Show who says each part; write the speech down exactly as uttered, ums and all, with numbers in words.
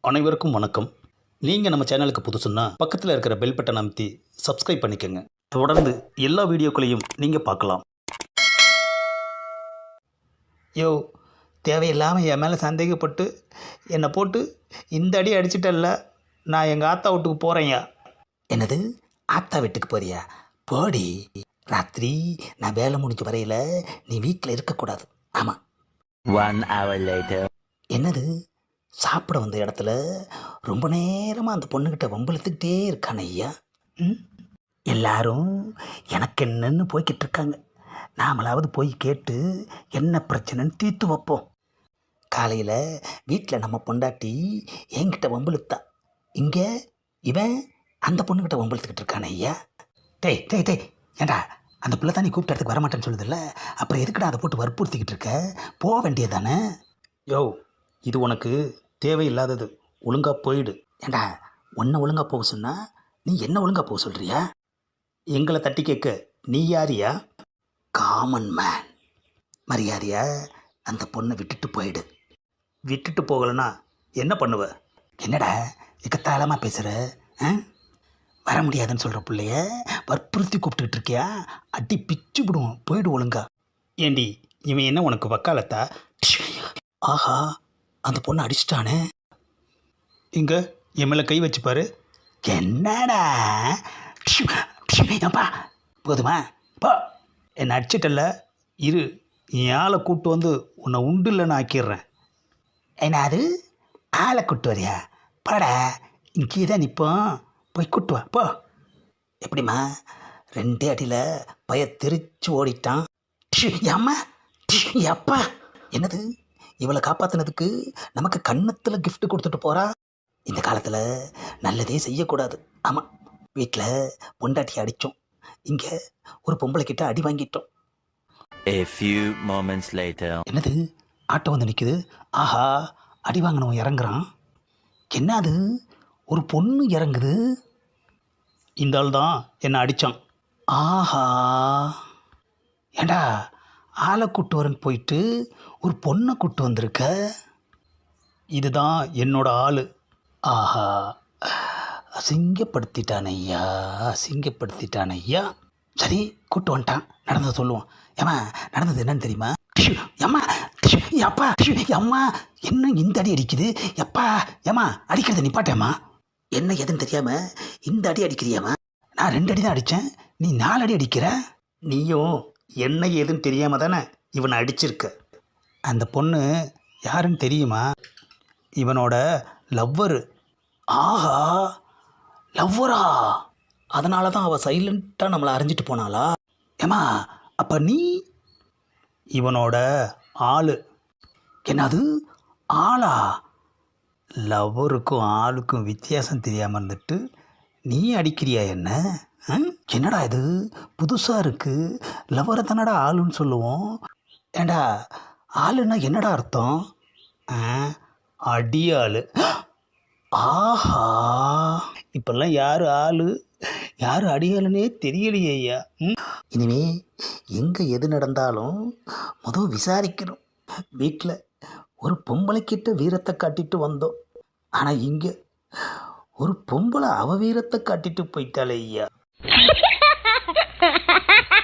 Speaker 1: அனைவருக்கும் வணக்கம். நீங்கள் நம்ம சேனலுக்கு புதுசுன்னா பக்கத்தில் இருக்கிற பெல் பட்டன் அமைத்தி சப்ஸ்கிரைப் பண்ணிக்கோங்க. தொடர்ந்து எல்லா வீடியோக்களையும் நீங்கள் பார்க்கலாம். யோ, தேவையில்லாமல் என் மேலே சந்தேகப்பட்டு என்னை போட்டு இந்த அடி அடிச்சிட்டல்ல, நான் எங்கள் ஆத்தா வீட்டுக்கு போகிறேன்யா. என்னது, ஆத்தா வீட்டுக்கு போறியா? போடி. ராத்திரி நான் வேலை முடிஞ்ச வரையில் நீ வீட்டில் இருக்கக்கூடாது. ஆமாம்.
Speaker 2: One hour later.
Speaker 1: என்னது, சாப்பிட வந்த இடத்துல ரொம்ப நேரமாக அந்த பொண்ணுக்கிட்ட வம்பிழுத்துக்கிட்டே இருக்கான ஐயா. ம் எல்லாரும் எனக்கு என்னன்னு போய்கிட்டு இருக்காங்க. நாமளாவது போய் கேட்டு என்ன பிரச்சனைன்னு தீர்த்து வைப்போம். காலையில் வீட்டில் நம்ம பொண்டாட்டி என்கிட்ட வம்பிழுத்தா, இங்கே இவன் அந்த பொண்ணுக்கிட்ட வம்பிழுத்துக்கிட்டு இருக்கான ஐயா. டேய் டேய் டேய் ஏண்டா, அந்த பிள்ளை தான் நீ கூப்பிட்ட இடத்துக்கு வரமாட்டேன்னு சொல்லுதில்ல, அப்புறம் எதுக்குடா அதை போட்டு வற்புறுத்திக்கிட்டு இருக்க? போக வேண்டியதானே? யோ, இது உனக்கு தேவையில்லாதது. ஒழுங்காக போயிடு. ஏண்டா, உன்னை ஒழுங்காக போக சொன்னா நீ என்ன ஒழுங்காக போக சொல்கிறியா? எங்களை தட்டி கேட்க நீ யாரியா? Common man. மரியாதையா அந்த பொண்ணை விட்டுட்டு போயிடு. விட்டுட்டு போகலைன்னா என்ன பண்ணுவ? என்னடா எக்கத்தாளமாக பேசுகிற? ஆ, வர முடியாதுன்னு சொல்கிற பிள்ளைய வற்புறுத்தி கூப்பிட்டுக்கிட்டு இருக்கியா? அடி பிச்சு விடுவோம். போயிடு ஒழுங்கா. ஏண்டி, இவன் என்ன உனக்கு வக்காலத்தா? ஆஹா, அந்த பொண்ணை அடிச்சிட்டானே. இங்கே என் மேலே கை வச்சுப்பாரு. என்னடா? அப்பா போதுமா? பா, என்னை அடிச்சிட்டல்ல, இரு, என் ஆளை கூப்பிட்டு வந்து உன்னை உண்டு இல்லைன்னு ஆக்கிடுறேன். என்ன அது, ஆளை கூப்பிட்டு வரியா? பாடா, இங்கே தான் நிற்போம், போய் கூட்டு வா போ. எப்படிம்மா? ரெண்டே அடியில் பய தெரிச்சு ஓடிட்டான். அம்மா அப்பா, என்னது, இவளை காப்பாற்றினதுக்கு நமக்கு கன்னத்தில் கிஃப்ட் கொடுத்துட்டு போகிறா. இந்த காலத்தில் நல்லதே செய்யக்கூடாது. ஆமாம், வீட்டில் பொண்டாட்டி அடித்தோம், இங்கே ஒரு பொம்பளை கிட்ட அடி வாங்கிட்டோம்.
Speaker 2: A few moments later.
Speaker 1: என்னது, ஆட்டோ வந்து நிற்குது. ஆஹா, அடி வாங்கினவன் இறங்குறான். என்ன அது, ஒரு பொண்ணு இறங்குது. இந்த ஆள் தான் என்னை அடித்தான். ஆஹா, ஏண்டா, ஆளை கூட்டு வரேன்னு போயிட்டு ஒரு பொண்ணை கூட்டு வந்திருக்க. இதுதான் என்னோட ஆள். ஆஹா, அசிங்கப்படுத்திட்டான் ஐயா, அசிங்கப்படுத்திட்டான் ஐயா. சரி, கூட்டு வந்துட்டான், நடந்ததை சொல்லுவோம். ஏம்மா, நடந்தது என்னன்னு தெரியுமா? ஏம்மா அப்பா, அம்மா என்ன இந்த அடி அடிக்குது? எப்பா, ஏம்மா அடிக்கிறத நிப்பாட்டேம்மா. என்ன எதுன்னு தெரியாமல் இந்த அடி அடிக்கிறியாம்மா? நான் ரெண்டு அடி தான் அடித்தேன், நீ நாலு அடி அடிக்கிற. நீயும் என்ன ஏதுன்னு தெரியாமல் தானே இவனை அடிச்சிருக்க. அந்த பொண்ணு யாருன்னு தெரியுமா? இவனோட லவ்வரு. ஆஹா, லவ்வரா? அதனால தான் அவள் சைலண்ட்டாக நம்மளை அறிஞ்சிட்டு போனாளா? ஏம்மா, அப்போ நீ இவனோட ஆளு. என்னது, ஆளா? லவ்வருக்கும் ஆளுக்கும் வித்தியாசம் தெரியாமல் இருந்துட்டு நீ அடிக்கிறியா என்ன? என்னடா இது புதுசாக இருக்குது. லவ்வரை தானடா ஆளுன்னு சொல்லுவோம். ஏண்டா, ஆளுன்னா என்னடா அர்த்தம்? அடியாள். ஆஹா, இப்பெல்லாம் யார் ஆளு யார் அடியாளுன்னே தெரியலையே ஐயா. இனிமே எங்கே எது நடந்தாலும் முதல் விசாரிக்கணும். வீட்டில் ஒரு பொம்பளைக்கிட்ட வீரத்தை காட்டிட்டு வந்தோம், ஆனால் இங்கே ஒரு பொம்பளை அவ வீரத்தை காட்டிட்டு போயிட்டாளே ஐயா.